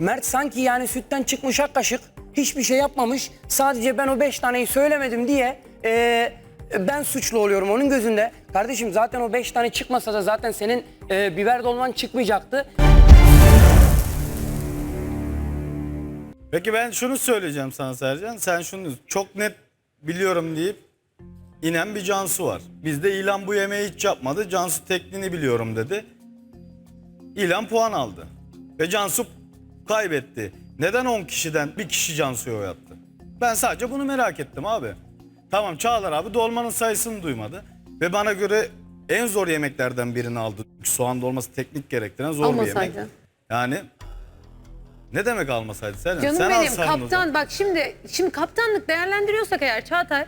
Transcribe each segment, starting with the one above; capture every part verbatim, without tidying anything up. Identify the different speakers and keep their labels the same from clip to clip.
Speaker 1: Mert sanki yani sütten çıkmış ak kaşık, hiçbir şey yapmamış. Sadece ben o beş taneyi söylemedim diye e, ben suçlu oluyorum onun gözünde. Kardeşim zaten o beş tane çıkmasa da zaten senin e, biber dolman çıkmayacaktı.
Speaker 2: Peki ben şunu söyleyeceğim sana Sercan. Sen şunu çok net biliyorum deyip inen bir Cansu var. Bizde İlhan bu yemeği hiç yapmadı. Cansu tekniğini biliyorum dedi. İlhan puan aldı. Ve Cansu kaybetti. Neden on kişiden bir kişi Cansu'ya oy attı? Ben sadece bunu merak ettim abi. Tamam Çağlar abi dolmanın sayısını duymadı. Ve bana göre en zor yemeklerden birini aldı. Soğan dolması teknik gerektiren zor
Speaker 3: Almasaydı.
Speaker 2: bir yemek. Yani ne demek almasaydı Sercan?
Speaker 3: Canım
Speaker 2: Sen
Speaker 3: benim
Speaker 2: alsaydın o
Speaker 3: kaptan
Speaker 2: zaman.
Speaker 3: bak şimdi şimdi kaptanlık değerlendiriyorsak eğer Çağatay,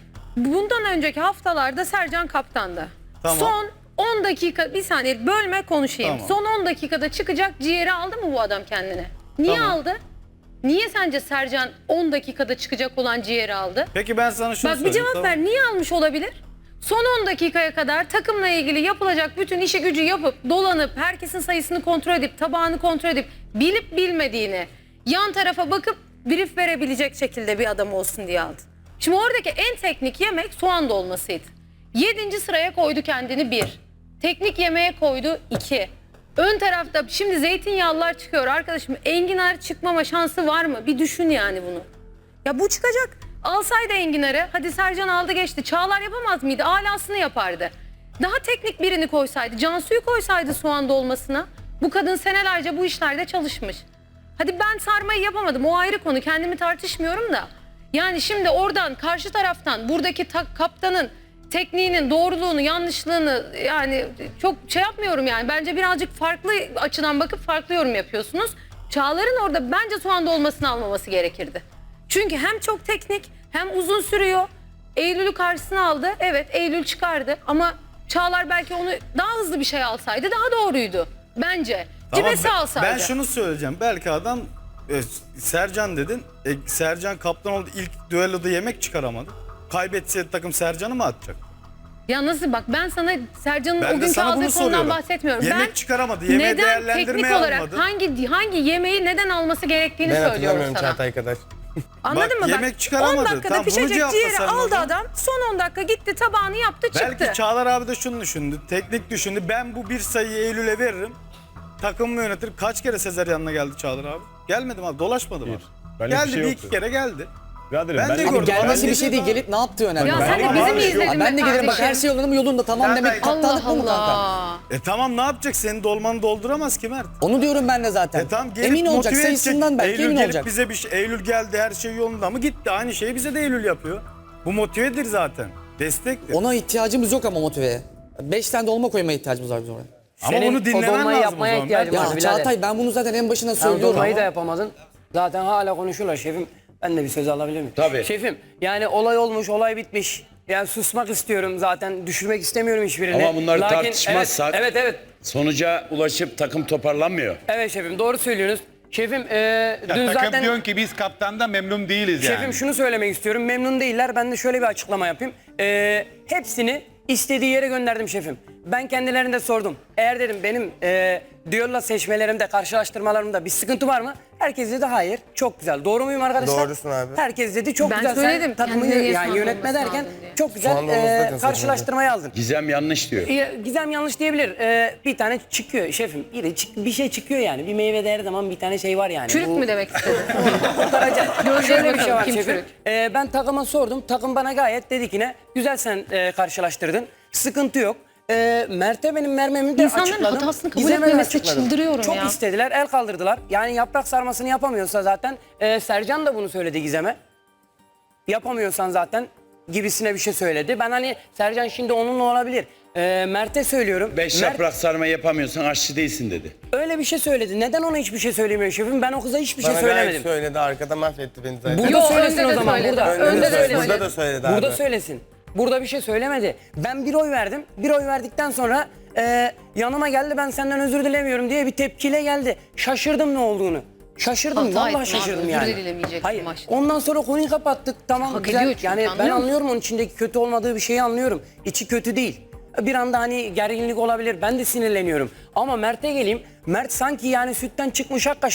Speaker 3: bundan önceki haftalarda Sercan kaptandı.
Speaker 2: Tamam.
Speaker 3: Son on dakika bir saniye bölme konuşayım.
Speaker 2: Tamam.
Speaker 3: Son on dakikada çıkacak ciğeri aldı mı bu adam kendine? Niye
Speaker 2: Tamam.
Speaker 3: aldı? Niye sence Sercan on dakikada çıkacak olan ciğeri aldı?
Speaker 2: Peki ben sana şunu
Speaker 3: Bak bir
Speaker 2: söyleyeyim.
Speaker 3: cevap
Speaker 2: tamam.
Speaker 3: ver. Niye almış olabilir? Son on dakikaya kadar takımla ilgili yapılacak bütün işi gücü yapıp dolanıp herkesin sayısını kontrol edip tabağını kontrol edip bilip bilmediğini yan tarafa bakıp brief verebilecek şekilde bir adam olsun diye aldı. Şimdi oradaki en teknik yemek soğan dolmasıydı. Yedinci sıraya koydu kendini bir. Teknik yemeğe koydu iki. Ön tarafta şimdi zeytinyağlılar çıkıyor arkadaşım. Enginar çıkmama şansı var mı? Bir düşün yani bunu. Ya bu çıkacak. Alsaydı enginarı, hadi Sercan aldı geçti. Çağlar yapamaz mıydı? Alasını yapardı. Daha teknik birini koysaydı, Cansu'yu koysaydı soğan dolmasına. Bu kadın senelerce bu işlerde çalışmış. Hadi ben sarmayı yapamadım, o ayrı konu. Kendimi tartışmıyorum da. Yani şimdi oradan, karşı taraftan, buradaki kaptanın tekniğinin doğruluğunu, yanlışlığını yani çok şey yapmıyorum yani. Bence birazcık farklı açıdan bakıp farklı yorum yapıyorsunuz. Çağlar'ın orada bence soğan dolmasını almaması gerekirdi. Çünkü hem çok teknik hem uzun sürüyor. Eylül'ü karşısına aldı. Evet Eylül çıkardı ama Çağlar belki onu daha hızlı bir şey alsaydı daha doğruydu. Bence.
Speaker 2: Tamam,
Speaker 3: Cimesi
Speaker 2: ben-
Speaker 3: alsaydı.
Speaker 2: Ben şunu söyleyeceğim. Belki adam e, Sercan dedin. E, Sercan kaptan oldu. İlk düelloda yemek çıkaramadı. Kaybetseydi takım Sercan'ı mı atacak?
Speaker 3: Ya nasıl bak ben sana Sercan'ın
Speaker 2: Ben
Speaker 3: o
Speaker 2: de
Speaker 3: günkü
Speaker 2: sana bunu
Speaker 3: aldığı konudan
Speaker 2: soruyorum.
Speaker 3: bahsetmiyorum.
Speaker 2: Yemek
Speaker 3: ben
Speaker 2: çıkaramadı, yemeği
Speaker 3: neden
Speaker 2: değerlendirmeye
Speaker 3: teknik olarak
Speaker 2: almadı.
Speaker 3: hangi hangi yemeği neden alması gerektiğini
Speaker 4: Ben
Speaker 3: söylüyorum
Speaker 4: hatırlamıyorum
Speaker 3: sana.
Speaker 4: Çağatay kadar.
Speaker 3: Anladın
Speaker 2: Bak,
Speaker 3: mı?
Speaker 2: yemek
Speaker 3: Bak,
Speaker 2: çıkaramadı.
Speaker 3: on dakikada
Speaker 2: Tamam, bunu
Speaker 3: pişecek
Speaker 2: cevapla
Speaker 3: ciğeri
Speaker 2: sen
Speaker 3: aldı
Speaker 2: bana.
Speaker 3: adam. Son on dakika gitti tabağını yaptı çıktı.
Speaker 2: Belki Çağlar abi de şunu düşündü. Teknik düşündü. Ben bu bir sayıyı Eylül'e veririm. Takımımı yönetir. Kaç kere Sezer yanına geldi Çağlar abi? Gelmedim abi. Dolaşmadım abi.
Speaker 5: Benlik bir
Speaker 2: Geldi
Speaker 5: şey
Speaker 2: bir
Speaker 5: yoktu.
Speaker 2: iki kere geldi.
Speaker 5: Biraderim,
Speaker 2: Ben de
Speaker 5: benlik-
Speaker 2: gördüm.
Speaker 6: Abi gelmesi
Speaker 2: Ben
Speaker 6: bir şey değil,
Speaker 2: dedim
Speaker 6: gelip ne yaptığı önemli.
Speaker 3: Ya
Speaker 6: Ben-
Speaker 3: sen de
Speaker 2: Ama
Speaker 3: bizi
Speaker 2: abi,
Speaker 3: mi
Speaker 2: yok.
Speaker 3: izledin
Speaker 6: Ben de
Speaker 3: be
Speaker 6: gelirim bak
Speaker 3: kardeşim?
Speaker 6: her şey yolunda mı yolunda tamam
Speaker 2: Zaten-
Speaker 6: demek kaptanlık
Speaker 3: Allah
Speaker 6: bu mu kanka?
Speaker 3: Allah.
Speaker 2: E tamam ne yapacak? Senin dolmanı dolduramaz ki Mert.
Speaker 6: Onu diyorum ben de zaten.
Speaker 2: E tamam gelip
Speaker 6: emin olacak
Speaker 2: motive
Speaker 6: sayısından
Speaker 2: edecek.
Speaker 6: belki
Speaker 2: Eylül
Speaker 6: emin
Speaker 2: gelip
Speaker 6: olacak.
Speaker 2: bize bir şey, Eylül geldi her şey yolunda mı? Gitti. Aynı şeyi bize de Eylül yapıyor. Bu motivedir zaten. Destektir.
Speaker 6: Ona ihtiyacımız yok ama motiveye. Beş tane dolma koymaya ihtiyacımız var biz oraya.
Speaker 2: Ama
Speaker 1: Senin
Speaker 2: bunu dinlemen
Speaker 1: o dolmayı
Speaker 2: lazım
Speaker 1: yapmaya
Speaker 2: o zaman.
Speaker 1: ihtiyacın
Speaker 2: Ben-
Speaker 1: var
Speaker 6: Ya
Speaker 1: birader.
Speaker 6: Çağatay ben bunu zaten en başından
Speaker 1: Sen
Speaker 6: söylüyorum.
Speaker 1: dolmayı da yapamadın. Zaten hala konuşuyorlar şefim. Ben de bir söz alabilir miyim?
Speaker 7: Tabii.
Speaker 1: Şefim yani olay olmuş, olay bitmiş. Yani susmak istiyorum zaten. Düşürmek istemiyorum hiçbirini.
Speaker 7: Ama bunları
Speaker 1: Lakin-
Speaker 7: tartışmazsak-
Speaker 1: Evet, evet, evet.
Speaker 7: Sonuca ulaşıp takım toparlanmıyor.
Speaker 1: Evet şefim doğru söylüyorsunuz. Şefim e,
Speaker 5: Ya
Speaker 1: dün
Speaker 5: takım
Speaker 1: zaten...
Speaker 5: diyorsun ki biz kaptandan memnun değiliz yani.
Speaker 1: Şefim şunu söylemek istiyorum. Memnun değiller. Ben de şöyle bir açıklama yapayım. Ee, hepsini istediği yere gönderdim şefim. Ben kendilerine de sordum. Eğer dedim benim e, diyorla seçmelerimde, karşılaştırmalarımda bir sıkıntı var mı? Herkes dedi hayır. Çok güzel. Doğru muyum arkadaşlar?
Speaker 4: Doğrusun abi.
Speaker 1: Herkes dedi çok
Speaker 3: Ben
Speaker 1: güzel.
Speaker 3: söyledim,
Speaker 1: Sen takımı
Speaker 3: kendine niye
Speaker 1: yani
Speaker 3: soğan
Speaker 1: yönetme
Speaker 3: dolması
Speaker 1: derken
Speaker 3: aldın diye.
Speaker 1: çok güzel
Speaker 4: Soğan dolması
Speaker 1: e,
Speaker 4: zaten
Speaker 1: karşılaştırmayı aldın.
Speaker 7: Gizem yanlış diyor.
Speaker 1: Ee, Gizem yanlış diyebilir. Ee, bir tane çıkıyor şefim. Bir, çık- bir şey çıkıyor yani. Bir meyve değer zaman bir tane şey var yani.
Speaker 3: Çürük
Speaker 1: Bu-
Speaker 3: mü demek istedin?
Speaker 1: kurtaracak.
Speaker 3: Göreceğiz
Speaker 1: Şöyle bir
Speaker 3: bakalım,
Speaker 1: şey var
Speaker 3: kim
Speaker 1: şefim.
Speaker 3: çürük?
Speaker 1: Ee, ben takıma sordum. Takım bana gayet dedi ki ne? Güzel sen e, karşılaştırdın. Sıkıntı yok. Ee, Mert'e benim mermemi de
Speaker 3: İnsanların
Speaker 1: açıkladım.
Speaker 3: hatasını kabul
Speaker 1: Gizem'e de
Speaker 3: etmemesi
Speaker 1: açıkladım.
Speaker 3: çıldırıyorum
Speaker 1: Çok
Speaker 3: ya.
Speaker 1: istediler, el kaldırdılar. Yani yaprak sarmasını yapamıyorsa zaten e, Sercan da bunu söyledi Gizem'e. Yapamıyorsan zaten gibisine bir şey söyledi. Ben hani Sercan şimdi onunla olabilir. Ee, Mert'e söylüyorum.
Speaker 7: Beş
Speaker 1: Mert
Speaker 7: yaprak sarma yapamıyorsan aşçı değilsin dedi.
Speaker 1: öyle bir şey söyledi. Neden ona hiçbir şey söylemiyor şefim? Ben o kıza hiçbir şey
Speaker 4: Bana gayet
Speaker 1: söylemedim.
Speaker 4: söyledi arkada mahvetti beni zaten.
Speaker 1: Burada
Speaker 3: Yo,
Speaker 1: söylesin
Speaker 3: önde
Speaker 1: o
Speaker 3: de
Speaker 1: zaman
Speaker 3: söyledi.
Speaker 1: burada.
Speaker 3: Önde
Speaker 1: Önde
Speaker 3: de
Speaker 1: söylesin.
Speaker 3: söyledi.
Speaker 4: Burada da söyledi abi.
Speaker 1: Burada söylesin. Burada bir şey söylemedi. Ben bir oy verdim. Bir oy verdikten sonra e, yanıma geldi ben senden özür dilemiyorum diye bir tepkiyle geldi. Şaşırdım ne olduğunu. Şaşırdım.
Speaker 3: Hata
Speaker 1: Vallahi
Speaker 3: ettin abi,
Speaker 1: şaşırdım
Speaker 3: özür
Speaker 1: yani.
Speaker 3: dilemeyeceksin
Speaker 1: Hayır.
Speaker 3: başta.
Speaker 1: Ondan sonra konuyu kapattık. Tamam
Speaker 3: Hak
Speaker 1: güzel.
Speaker 3: ediyor çünkü,
Speaker 1: Yani ben
Speaker 3: anlıyor musun?
Speaker 1: anlıyorum onun içindeki kötü olmadığı bir şeyi anlıyorum. İçi kötü değil. Bir anda hani gerginlik olabilir. Ben de sinirleniyorum. Ama Mert'e geleyim. Mert sanki yani sütten çıkmış ak kaşık.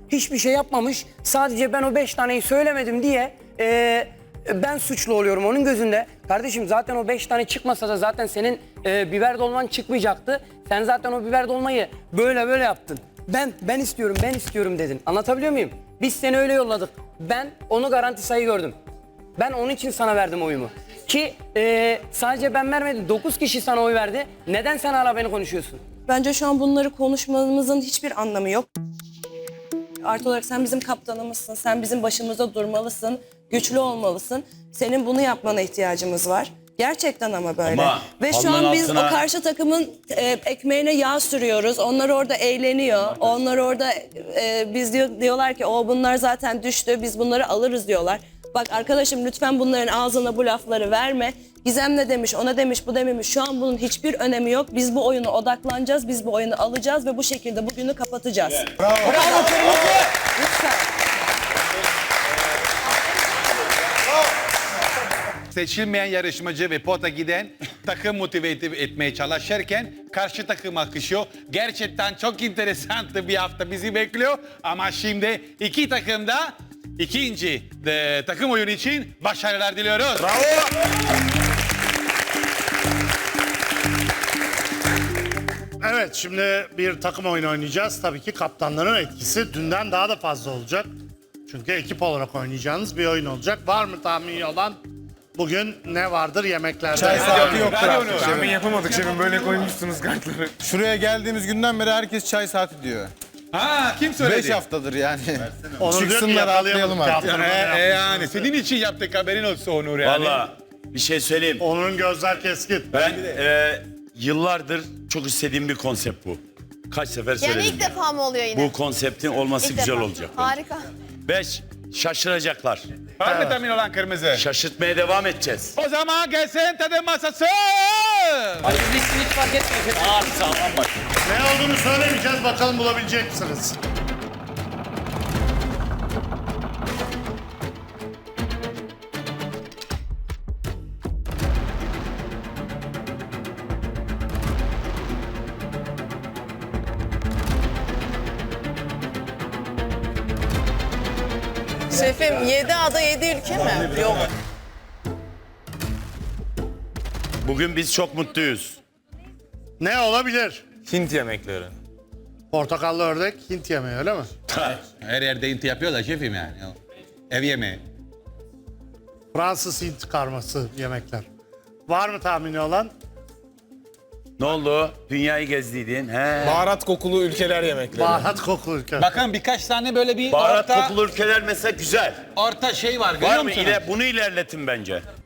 Speaker 1: hiçbir şey yapmamış. Sadece ben o beş taneyi söylemedim diye e, ben suçlu oluyorum onun gözünde. Kardeşim zaten o beş tane çıkmasa da zaten senin e, biber dolman çıkmayacaktı. Sen zaten o biber dolmayı böyle böyle yaptın. Ben ben istiyorum ben istiyorum dedin. Anlatabiliyor muyum? Biz seni öyle yolladık. Ben onu garanti sayı gördüm. Ben onun için sana verdim oyumu. Ki e, sadece ben vermedim. dokuz kişi sana oy verdi. Neden sen hala beni konuşuyorsun?
Speaker 8: Bence şu an bunları konuşmamızın hiçbir anlamı yok. Artı olarak sen bizim kaptanımızsın, sen bizim başımızda durmalısın, güçlü olmalısın. Senin bunu yapmana ihtiyacımız var. Gerçekten ama böyle.
Speaker 7: Ama
Speaker 8: Ve şu
Speaker 7: halının
Speaker 8: an biz
Speaker 7: altına-
Speaker 8: o karşı takımın e, ekmeğine yağ sürüyoruz. Onlar orada eğleniyor. Onlar orada e, biz diyor, diyorlar ki o bunlar zaten düştü, biz bunları alırız diyorlar. Bak arkadaşım lütfen bunların ağzına bu lafları verme. Gizem ne demiş, ona demiş, bu dememiş. Şu an bunun hiçbir önemi yok. Biz bu oyuna odaklanacağız, biz bu oyunu alacağız ve bu şekilde bugünü kapatacağız.
Speaker 5: Seçilmeyen yarışmacı ve pota giden takım motive et- etmeye çalışırken karşı takım akışıyor. Gerçekten çok enteresan bir hafta bizi bekliyor. Ama şimdi iki takım da ikinci e, takım oyunu için başarılar diliyoruz.
Speaker 9: Evet, şimdi bir takım oyunu oynayacağız. Tabii ki kaptanların etkisi dünden daha da fazla olacak. Çünkü ekip olarak oynayacağınız bir oyun olacak. Var mı tahmini olan? Bugün ne vardır yemeklerde?
Speaker 4: Çay saati yoktur
Speaker 5: Ver
Speaker 4: artık
Speaker 5: onu.
Speaker 4: şefim.
Speaker 10: Tahmin yapamadık şefim, böyle koymuşsunuz kartları.
Speaker 4: Şuraya geldiğimiz günden beri herkes çay saati diyor.
Speaker 5: Ha kim söyledi?
Speaker 4: Beş haftadır yani.
Speaker 9: Onu diyor ki
Speaker 4: Çıksınlar
Speaker 9: yakalayalım
Speaker 4: atlayalım artık.
Speaker 9: kaptanı.
Speaker 5: E, e, yani senin için yaptık, haberin olsun Onur yani.
Speaker 7: Valla bir şey söyleyeyim.
Speaker 9: Onun gözler keskin.
Speaker 7: Ben e, yıllardır çok istediğim bir konsept bu. Kaç sefer
Speaker 11: Yani
Speaker 7: söyledim.
Speaker 11: ilk defa mı oluyor yine?
Speaker 7: Bu konseptin olması
Speaker 11: İlk
Speaker 7: güzel
Speaker 11: defa.
Speaker 7: olacak. bence.
Speaker 11: Harika.
Speaker 7: Beş, şaşıracaklar.
Speaker 5: Var mı tahmin olan kırmızı?
Speaker 7: Şaşırtmaya devam edeceğiz.
Speaker 5: O zaman gelsin tadım masası.
Speaker 1: Hadi hiç, hiç fark etmiyor.
Speaker 7: Abi sağlam bak.
Speaker 9: Ne olduğunu söylemeyeceğiz, bakalım bulabilecek misiniz?
Speaker 11: Şefim yedi ada yedi ülke mi? Yok.
Speaker 7: Bugün biz çok mutluyuz.
Speaker 9: Ne olabilir?
Speaker 10: Hint yemekleri.
Speaker 9: Portakallı ördek, Hint yemeği öyle mi?
Speaker 5: Her yerde inti yapıyor da şefim yani. Ev yemeği.
Speaker 9: Fransız Hint karması yemekler. Var mı tahmini olan?
Speaker 7: Ne oldu? Dünyayı gezdiydin. He.
Speaker 10: Baharat kokulu ülkeler yemekleri.
Speaker 9: Baharat kokulu ülke.
Speaker 5: Bakın birkaç tane böyle bir
Speaker 7: Baharat
Speaker 5: orta,
Speaker 7: kokulu ülkeler mesela güzel.
Speaker 5: orta şey var görüyor
Speaker 7: Var mı?
Speaker 5: musunuz?
Speaker 7: İle, bunu ilerletin bence.